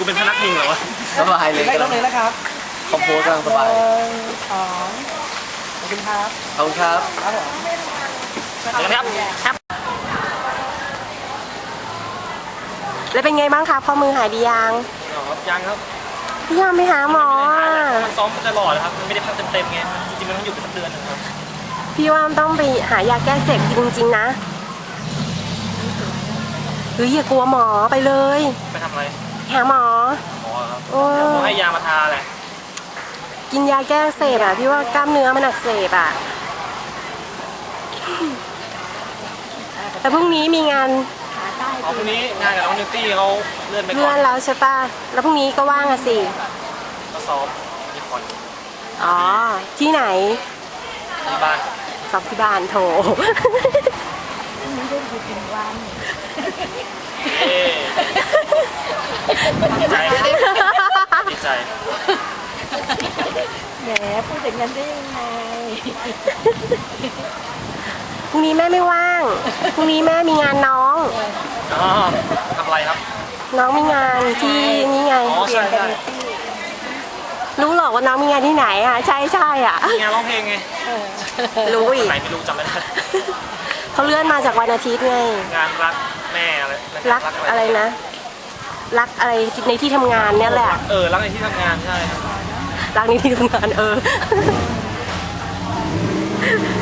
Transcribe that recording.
กูเป็นพนักพิงเหรอวะสบายเลยได้ลงเลยนะครับคอมโพสกำลังสบายสองขอบคุณครับขอบคุณครับครับผมเดี๋ยวนะครับครับแล้วเป็นไงบ้างคะข้อมือหายดียังยังครับพี่ยอมไปหาหมออ่ะมันซ้อมตลอดนะครับมันไม่ได้พักเต็มๆไงจริงๆมันต้องอยู่เป็นสักเดือนนึงครับพี่ว่าต้องไปหายาแก้เสพจริงๆนะหรืออย่ากลัวหมอไปเลยไปทำอะไรหาหมอหมอครับโอ้หมอให้ยามาทาแหละกินยาแก้อักเสพอ่ะพี่ว่ากล้ามเนื้อมันอักเสบอ่ะแต่พรุ่งนี้มีงานอ๋อพรุ่งนี้งานกับน้องนิวตี้เขาเลื่อนไปก่เลื่ออน นแล้วใช่ป่ะแล้วพรุ่งนี้ก็ว่างอะสิก็ซ้อมมีผ่อนอ๋อที่ไหนที่บ้านสอบที่บ้านโถเอ๊ดีใจดีใจแหมพูดอย่างนั้นได้ยังไงพรุ่งนี้แม่ไม่ว่าง พรุ่งนี้แม่มีงานน้องอ๋อทำอะไรครับน้องมีงานที่นี่ไงอ๋อใช่ใช่รู้หรอกว่าน้องมีงานที่ไหนอ่ะ ใช่ใช่อ่ะมีงานร้องเพลงไงรู้อีกไหนไม่รู้จำไม่ได้เขาเลื่อนมาจากวันอาทิตย์ไงงานรักแม่อะไรรักอะไรนะ รักอะไรในที่ทำงานเนี่ยแหละรักในที่ทำงานใช่ครับรักในที่ทำงาน